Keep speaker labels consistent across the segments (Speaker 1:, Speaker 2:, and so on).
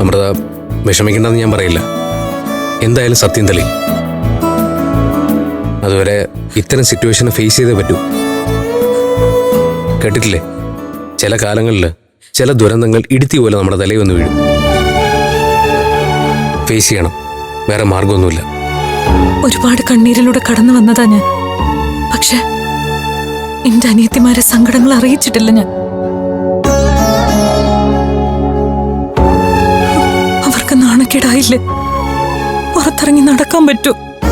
Speaker 1: അമൃത, വിഷമിക്കണ്ടെന്ന് ഞാൻ പറയില്ല. എന്തായാലും സത്യം തെളിയും. അതുവരെ ഇത്തരം സിറ്റുവേഷനെ ഫേസ് ചെയ്തേ പറ്റൂ. കേട്ടിട്ടില്ലേ, ചില കാലങ്ങളിൽ ചില ദുരന്തങ്ങൾ ഇടുത്തി പോലെ നമ്മുടെ തലയിൽ വന്ന് വീഴും. ഫേസ് ചെയ്യണം, വേറെ മാർഗമൊന്നുമില്ല.
Speaker 2: ഒരുപാട് കണ്ണീരിലൂടെ കടന്നു വന്നതാ ഞാൻ. പക്ഷെ എന്റെ അനിയത്തിമാരെ സങ്കടങ്ങൾ അറിയിച്ചിട്ടില്ല ഞാൻ. അവർക്ക് നാണക്കേടായില്ലേ? പുറത്തിറങ്ങി നടക്കാൻ പറ്റൂ?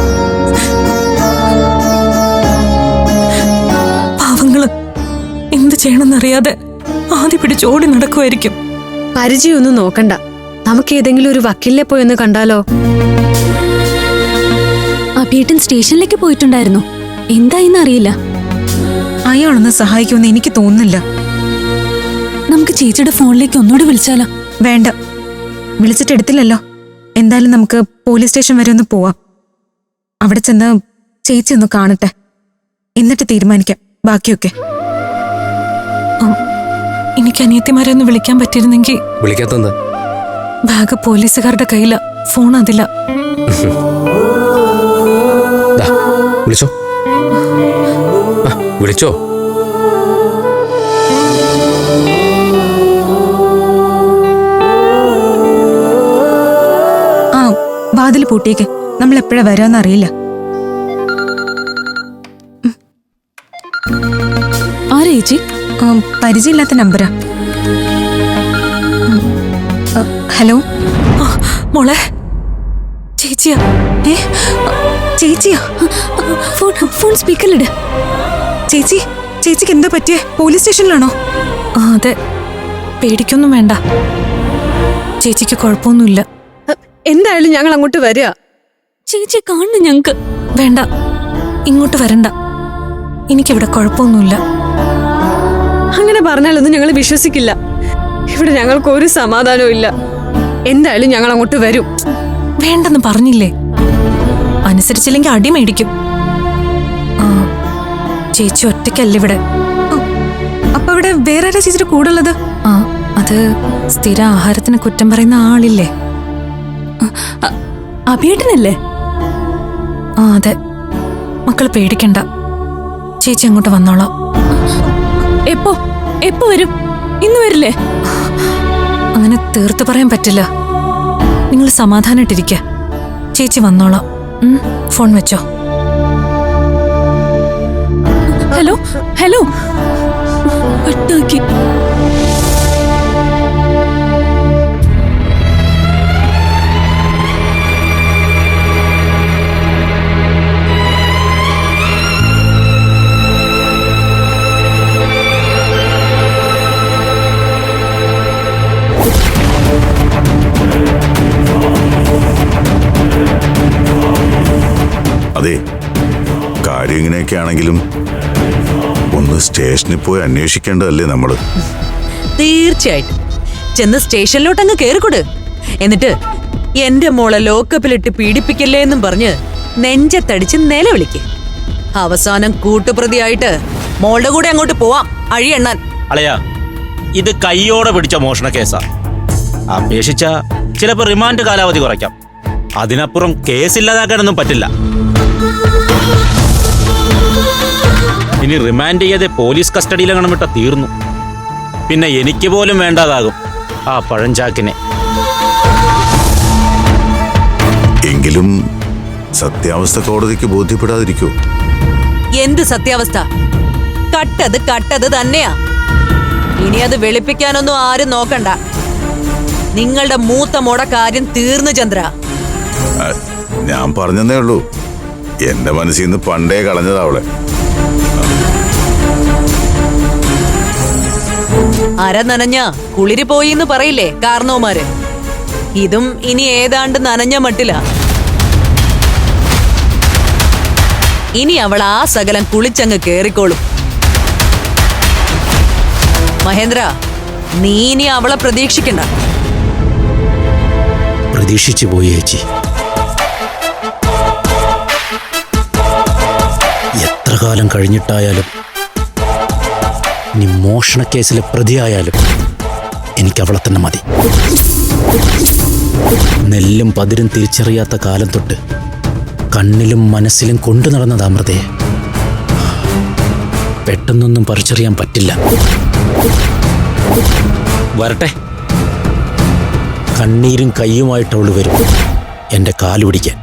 Speaker 2: പാവങ്ങള് എന്ത് ചെയ്യണമെന്നറിയാതെ ആദ്യ പിടിച്ച് ഓടി നടക്കുമായിരിക്കും.
Speaker 3: പരിചയമൊന്നും നോക്കണ്ട, നമുക്ക് ഏതെങ്കിലും ഒരു വക്കീലിനെ പോയി ഒന്ന് കണ്ടാലോ?
Speaker 4: അഭിയേട്ടൻ സ്റ്റേഷനിലേക്ക് പോയിട്ടുണ്ടായിരുന്നു. എന്തായിന്ന് അറിയില്ല.
Speaker 5: അയാളൊന്ന് സഹായിക്കുമെന്ന് എനിക്ക് തോന്നുന്നില്ല.
Speaker 4: നമുക്ക് ചേച്ചിയുടെ ഫോണിലേക്ക് ഒന്നുകൂടി വിളിച്ചാലോ?
Speaker 5: വേണ്ട, വിളിച്ചിട്ട് എടുത്തില്ലല്ലോ. എന്തായാലും നമുക്ക് പോലീസ് സ്റ്റേഷൻ വരെ ഒന്ന് പോവാം. അവിടെ ചെന്ന് ചേച്ചി ഒന്ന് കാണട്ടെ, എന്നിട്ട് തീരുമാനിക്കാം ബാക്കിയൊക്കെ.
Speaker 2: എനിക്ക് അനിയത്തിമാരെ ഒന്ന് വിളിക്കാൻ പറ്റിയിരുന്നെങ്കിൽ.
Speaker 1: വിളിക്കാത്തത്
Speaker 2: ബാഗ് പോലീസുകാരുടെ കയ്യില, ഫോൺ അതില്ല.
Speaker 1: വിളിച്ചോ, വിളിച്ചോ.
Speaker 5: ആ, വാതിൽ പൂട്ടിയേക്ക്. നമ്മൾ എപ്പോഴാ വരാന്നറിയില്ല.
Speaker 4: ആരാ ചേച്ചി?
Speaker 5: പരിചയമില്ലാത്ത നമ്പരാ. ഹലോ
Speaker 2: മോളെ, ചേച്ചിയാ.
Speaker 5: ചേച്ചിയാ?
Speaker 4: ഫോൺ സ്പീക്കറിലിട്.
Speaker 5: ചേച്ചിക്ക് എന്താ പറ്റിയേ? പോലീസ് സ്റ്റേഷനിലാണോ?
Speaker 2: അതെ, പേടിക്കൊന്നും വേണ്ട. ചേച്ചിക്ക് കുഴപ്പമൊന്നുമില്ല.
Speaker 3: എന്തായാലും ഞങ്ങൾ അങ്ങോട്ട് വരിക.
Speaker 4: ചേച്ചിയെ കാണണം ഞങ്ങക്ക്.
Speaker 2: വേണ്ട, ഇങ്ങോട്ട് വരണ്ട. എനിക്കിവിടെ കുഴപ്പമൊന്നുമില്ല.
Speaker 3: അങ്ങനെ പറഞ്ഞാലൊന്നും ഞങ്ങൾ വിശ്വസിക്കില്ല. ഇവിടെ ഞങ്ങൾക്ക് ഒരു സമാധാനവും ഇല്ല. എന്തായാലും ഞങ്ങൾ അങ്ങോട്ട് വരും.
Speaker 2: വേണ്ടെന്ന് പറഞ്ഞില്ലേ? അനുസരിച്ചില്ലെങ്കിൽ അടി മേടിക്കും. ചേച്ചി ഒറ്റയ്ക്കല്ല ഇവിടെ.
Speaker 5: അപ്പൊ ഇവിടെ വേറെ ആരാ ചേച്ചിയുടെ കൂടെ ഉള്ളത്?
Speaker 2: അത് സ്ഥിര ആഹാരത്തിന് കുറ്റം പറയുന്ന ആളില്ലേ,
Speaker 4: അഭിയേട്ടനല്ലേ?
Speaker 2: അതെ. മക്കൾ പേടിക്കണ്ട, ചേച്ചി അങ്ങോട്ട് വന്നോളാം.
Speaker 4: എപ്പോ വരും? ഇന്ന് വരില്ലേ?
Speaker 2: അങ്ങനെ തീർത്ത് പറയാൻ പറ്റില്ല. നിങ്ങൾ സമാധാനായിട്ടിരിക്കുക. ചേച്ചി വന്നോളാം. ഫോൺ വെച്ചോ.
Speaker 4: ഹലോ ഒട്ടാക്കി.
Speaker 6: അതെ, കാര്യം ഇങ്ങനെയൊക്കെ ആണെങ്കിലും ഒന്ന് സ്റ്റേഷനിൽ പോയി അന്വേഷിക്കേണ്ടതല്ലേ നമ്മള്?
Speaker 7: തീർച്ചയായിട്ടും ചെന്ന് സ്റ്റേഷനിലോട്ടങ്ങ് കേറിക്കൊട്. എന്നിട്ട് എന്റെ മോളെ ലോക്കപ്പിലിട്ട് പീഡിപ്പിക്കല്ലേ എന്നും പറഞ്ഞ് നെഞ്ചത്തടിച്ച് നിലവിളിക്ക്. അവസാനം കൂട്ടുപ്രതിയായിട്ട് മോളുടെ കൂടെ അങ്ങോട്ട് പോവാം അഴിയെണ്ണാൻ.
Speaker 8: അളയാ, ഇത് കയ്യോടെ പിടിച്ച മോഷണ കേസാ. അപേക്ഷിച്ച ചിലപ്പോൾ റിമാൻഡ് കാലാവധി കുറയ്ക്കാം. അതിനപ്പുറം കേസില്ലാതാക്കാനൊന്നും പറ്റില്ല. ഇനി റിമാൻഡ് ചെയ്യാതെ പോലീസ് കസ്റ്റഡിയിലെങ്ങണം വിട്ട തീർന്നു. പിന്നെ എനിക്ക് പോലും വേണ്ടാതാകും ആ പഴഞ്ചാക്കിനെ.
Speaker 6: എങ്കിലും സത്യാവസ്ഥ കോടതിക്ക് ബോധ്യപ്പെടാതിരിക്കൂ.
Speaker 7: എന്ത് സത്യാവസ്ഥ? കട്ടത് തന്നെയാ. ഇനി അത് വെളുപ്പിക്കാനൊന്നും ആരും നോക്കണ്ട. നിങ്ങളുടെ മൂത്ത മോട കാര്യം തീർന്നു ചന്ദ്ര.
Speaker 6: ഞാൻ പറഞ്ഞതേ ഉള്ളൂ. എന്റെ മനസ്സിൽ നിന്ന് പണ്ടേ കളഞ്ഞതാ അവളെ.
Speaker 7: അര നനഞ്ഞ കുളിരി പോയിന്ന് പറയില്ലേ കാർന്നോമാര്? ഇതും ഇനി ഏതാണ്ട് നനഞ്ഞ മട്ടില. ഇനി അവൾ ആ സകലം കുളിച്ചങ്ങ് കേറിക്കോളും. മഹേന്ദ്ര, നീ ഇനി അവളെ പ്രതീക്ഷിക്കണ്ട.
Speaker 8: പ്രതീക്ഷിച്ചു പോയി ചേച്ചി. എത്ര കാലം കഴിഞ്ഞിട്ടായാലും, ഇനി മോഷണ കേസിലെ പ്രതിയായാലും എനിക്ക് അവളെ തന്നെ മതി. നെല്ലും പതിരും തിരിച്ചറിയാത്ത കാലം തൊട്ട് കണ്ണിലും മനസ്സിലും കൊണ്ടു നടന്നത് അമൃതയെ. പെട്ടെന്നൊന്നും പറിച്ചറിയാൻ പറ്റില്ല. വരട്ടെ, കണ്ണീരും കയ്യുമായിട്ട് അവള് വരും എൻ്റെ കാല് പിടിക്കാൻ.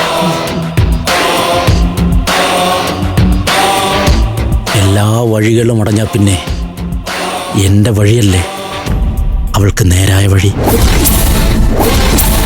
Speaker 8: എല്ലാ വഴികളും അടഞ്ഞാൽ പിന്നെ എൻ്റെ വഴിയല്ലേ അവൾക്ക് നേരായ വഴി.